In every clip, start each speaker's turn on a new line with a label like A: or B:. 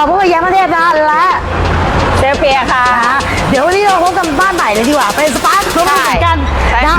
A: พวกแย้มประเทศนะและ
B: เชฟเปียค่ะ
A: เดี๋ยววันนี้เราพบกันบ้านใหม่เลยดีกว่าเป็นสปาร์ครวมกันนะ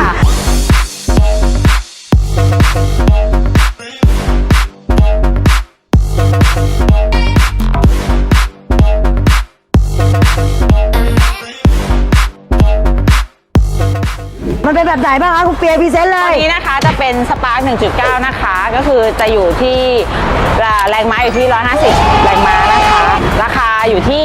A: มันเป็นแบบไหนบ้างคะคุณเปียพรีเซนต์เลย
B: ตัวนี้นะคะจะเป็นสปาร์ค 1.9 นะคะก็คือจะอยู่ที่แรงม้าอยู่ที่ 150 แรงม้านะคะราคาอยู่ที่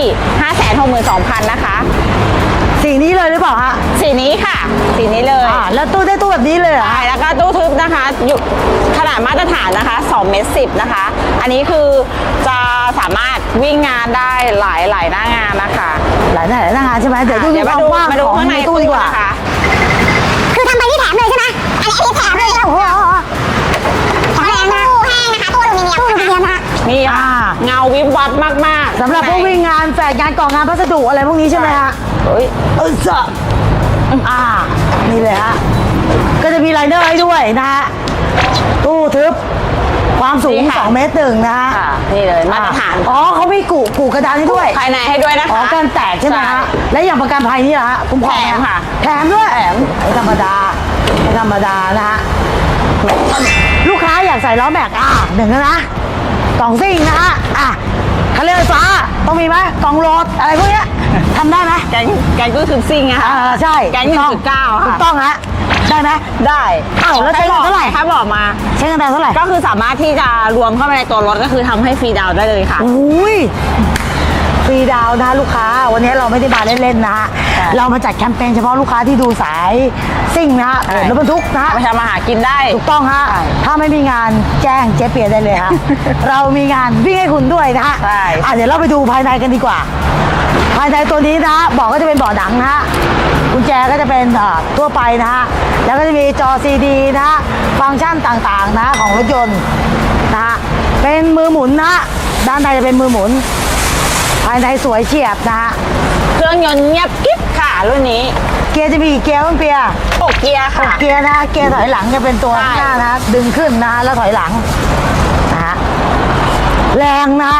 B: 562,000 นะคะ
A: สีนี้เลยหรือเปล่าคะ
B: สีนี้ค่ะสีนี้เลย
A: แล้วตู้ได้ตู้แบบนี้เลยเหรอ
B: ใช่แล้วก็ตู้ทึบนะคะอยู่ขนาดมาตรฐานนะคะ2.10 เมตรนะคะอันนี้คือจะสามารถวิ่งงานได้หลายหน้างานนะคะ
A: หลายหน้างานใช่ไหมเดี๋ยว
B: มาดูข้างในตู้ดีกว่าค่ะ
C: คือทำไปที่แถมเลยใช่ไหมอันนี้แถมเลยโอ้โหแข็งแรงนะตู้แห้งนะคะตู้อลูมิเนียมนะ
B: นี่เงาวิบวับมาก
A: ๆสำหรับพวกวิ่งงานแฝดงานก่องานพัสดุอะไรพวกนี้ใช่ไหมฮะจ้ะนี่เลยฮะก็จะมีไลเนอร์ให้ด้วยนะฮะตู้ทึบความสูง2.1 เมตรนะฮะ
B: นี่เลยมาตรฐาน
A: เขามีกูกระดานให้ด้วย
B: ภายในให้ด้วยนะคะ
A: กันแตกใช่ไหมฮะและอย่างประกันภัยนี่ฮะคุ้มครอง
B: แถมค่ะ
A: แถมด้วยไม่ธรรมดานะฮะลูกค้าอยากใส่ล้อแม็กหนึ่งนะกล่องซิ่งนะฮะคันเร่งไฟฟ้าต้องมีไหมกล่องโหลดอะไรพวกนี้ทำได้ไหม
B: แกงตู้ทึบซิ่งอะค่ะ
A: ใช่
B: แกง 1.9
A: ถูกต้องฮะได้ไหม
B: ได้
A: แล้วใช้เท่าไหร่
B: ถ้าบอกมา
A: ใช้เงินเท่าไหร่
B: ก็คือสามารถที่จะรวมเข้าไปในตัวรถก็คือทำให้ฟรีดาวได้เลยค่ะ
A: ฟรีดาวนะลูกค้าวันนี้เราไม่ได้มาเล่นๆนะเรามาจัดแคมเปญเฉพาะลูกค้าที่ดูสายซิ่งนะรถบรรทุกนะ
B: ไปทำมาหากินได้
A: ถูกต้องฮะถ้าไม่มีงานแจ้งเจ๊เปียได้เลยฮะเรามีงานวิ่งให้คุณด้วยนะฮะเดี๋ยวเราไปดูภายในกันดีกว่าภายในตัวนี้นะบอกก็จะเป็นเบาะหนังนะฮะกุญแจก็จะเป็นทั่วไปนะฮะแล้วก็จะมีจอซีดีนะฟังก์ชันต่างๆนะของรถยนต์นะฮะเป็นมือหมุนนะด้านในจะเป็นมือหมุนภายในสวยเฉียบนะฮะ
B: เครื่องยนต์เงียบกิ๊บค่ะรุ่นนี้
A: เกียร์จะมีกี่เกียร์บ้างเปีย
B: 6 เกียร์ค่ะ
A: เกียร์นะเกียร์ถอยหลังจะเป็นตัวหน้านะดึงขึ้นนะแล้วถอยหลังนะฮะแรงนะ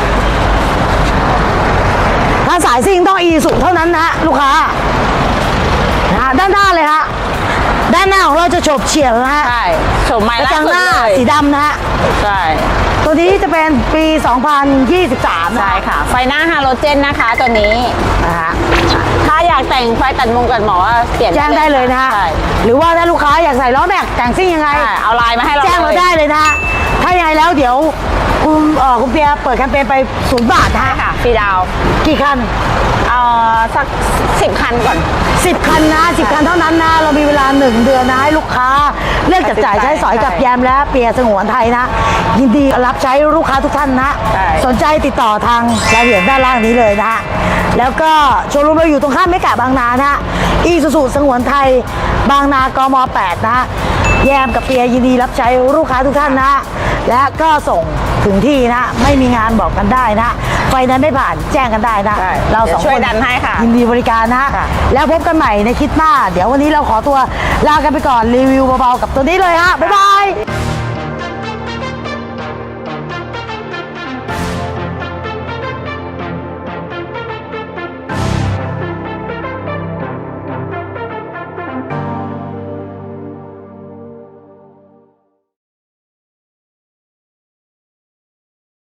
A: ถ้าสายซิ่งต้องอีสุเท่านั้นนะลูกค้าด้านหน้าเลยฮะด้านหน้าของเราจะโฉบเฉี่ยวนะฮะ
B: ใช่โฉบใหม่ล่าสุด
A: เลยสีดำนะฮะ
B: ใช่
A: ตัวนี้จะเป็นปี 2023
B: ใช่ค่ะไฟหน้าฮาโลเจนนะคะตัวนี้
A: นะฮะ
B: ถ้าอยากแต่งไฟตัดมุมกันหมอเปลี่ยน
A: แจ้งได้เลยนะฮะหรือว่าถ้าลูกค้าอยากใส่ล้อแม็กแต่งซิ่งยังไง
B: เอาไลน์มาให้เรา
A: แจ้งเราได้เลยนะถ้ายังไงแล้วเดี๋ยวคุณเปียเปิดแคมเปญไป0 บาทนะ
B: ค่ะฟรีดาว
A: กี่คัน
B: สัก10 คันก่อน
A: 10 คันนะ10 คันเท่านั้นนะเรามีเวลา1 เดือนนะให้ลูกค้าเลือกจับจ่ายใช้สอยกับแยมและเปียสงวนไทยนะยินดีรับใช้ลูกค้าทุกท่านนะสนใจติดต่อทางรายละเอียดด้านล่างนี้เลยนะแล้วก็โชว์รูมเราอยู่ตรงข้ามเมกะบางนานะอีซูซูสงวนไทยบางนากม8นะแยมกับเปียยินดีรับใช้ลูกค้าทุกท่านนะและก็ส่งถึงที่นะไม่มีงานบอกกันได้นะไฟนั้นไม่ผ่านแจ้งกันได้นะ
B: เรา2 คนช่วยดันให้ค่ะ
A: ยินดีบริการนะแล้วพบกันใหม่ในคลิปหน้าเดี๋ยววันนี้เราขอตัวลากันไปก่อนรีวิวเบาๆกับตัวนี้เลยฮะบ๊ายบาย